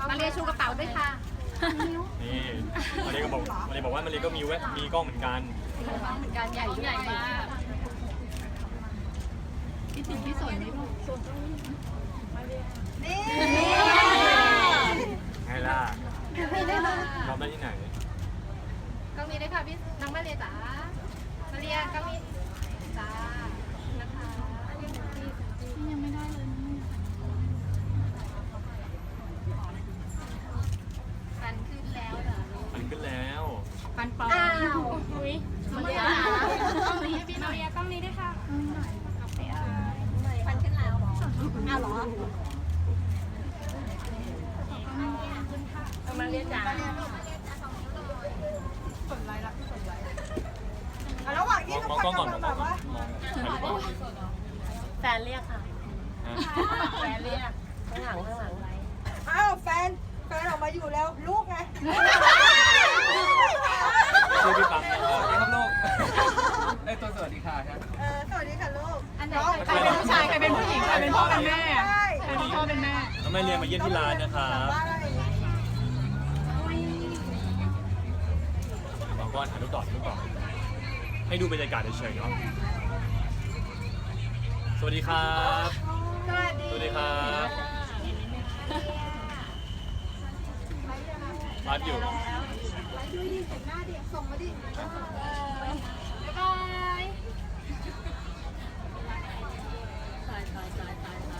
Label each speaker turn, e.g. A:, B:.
A: มาเรียชูกระเป๋าด้วยค่ะ
B: นี่มาเรียก็บอกว่ามาเรียก็มีกล้องเหมือนกัน
A: เหมือนกันใหญ่มากคิดถึงพี่สนไหมลูกนี่
B: ไงล่ะ
A: มีได้ไหม
B: ทำได้ที่ไหน
A: ก็มีได้ค่ะพี่น้องมาเรียจ๋ามาเรียก็มีจ้านะคะยังไม่ได้เลยฟันขึ้นแล้วเหรอ
B: มันขึ้นแล้ว
A: ฟันปลอมอ้าวอุ้ยมาเรียกล้องนี้ให้พี่มาเรียกล้องนี้ด้วยค่ะฟันขึ้นแล้วอ้าวเหรอมาเรียจ๋า
C: ระหว่างที่
B: มองกล้องก่อนมองกล้องก่อนมอง
A: แฟนเรียกค่ะแฟนเรียกข้างหลังไว้
C: อ้าวแฟนออกมาอยู่แล้วลูกไง
B: ชื่อพี่ปั๊มนะ
D: สวัสดีครับลูกไอ้ตัวสวัสดีค่ะครับ
C: สวัสดีค่ะลูก
A: อันไหนใครเป็นผู้ชายใครเป็นผู้หญิงใครเป็นพ่อเป็นแม่
C: ใช่
A: ใครเป็นพ่อเป็นแม่
B: แล้วแม่เรียนมาเยี่ยมที่ร้านนะครับ
C: บ้านอะไรอย่างเงี้ย
B: บางก้อนถ่ายรูปต่อให้ดูบรรยากาศเฉยๆเนาะสวัสดีครับ
C: สวัสดี
B: ครับรัดอยู่
C: ดูดิเห็นหน้าดิส่งมาดิ
A: บ๊ายบาย